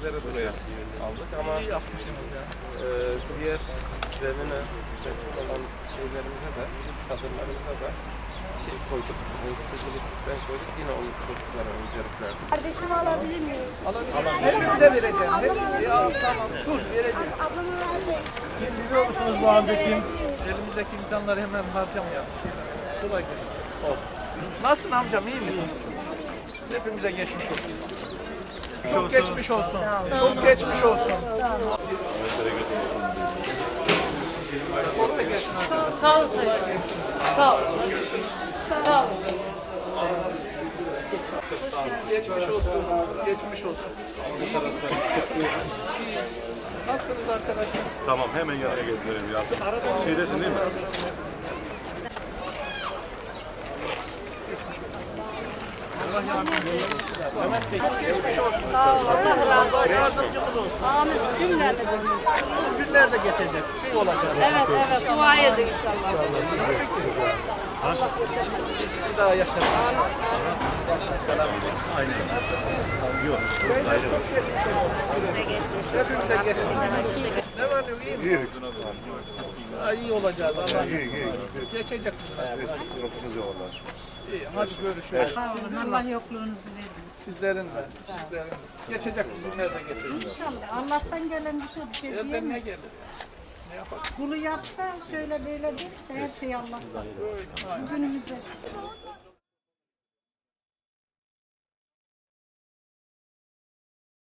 bizleri buraya aldık ama İyi yapmışsınız ya. diğer zemine mevcut olan şeylerimize de, çadırlarımıza da şey koyduk. Stabilikten koyduk. Yine onu çocuklara öncelikler. Kardeşimi alabilir miyim? Hepimize vereceğim. Ya tamam dur vereceğim. Ablamı verdi. Kim biliyor musunuz bu anda kim? Elimizdeki imkanları hemen harcamayalım. Kolay gelsin. Nasılsın amcam, iyi misin? Hepimize geçmiş olsun. Çok geçmiş olsun. Çok geçmiş olsun. Kolay gelsin. Sağ ol sayın. Sağ ol. Sağ ol. Geçmiş olsun. Geçmiş olsun. Nasılsınız arkadaşlar? Tamam, hemen yanına getirelim ya. Şeydesin değil mi? Allah yardımcınız olsun. Mehmet Bey, geçmiş olsun. Sağ ol. Allah razı olsun. Yardımcımız olsun. Amin. Cümlede. Günler de geçecek. Şey olacak. Evet evet. Dua edin inşallah. Bir daha yaşarız. Yok. Ayrı var. Hepimize geçmiş. Ne var diyor, iyi mi? İyi. Ha, iyi olacağız. Allah İyi, iyi. geçecek bunlar. Yoksunuz ya vallahi. İyi, hadi görüşürüz. Allah yokluğunuzu versin. Sizlerin de. Sizlerin de. Geçecek bu günler de geçecek. İnşallah. Allah'tan gelen bir şey Elden ne diyemem. gelir? Ne yapalım? Bunu yapsa şöyle böyle değil. Her şey Allah'tan. Öyle. Aynen. Günümüzde.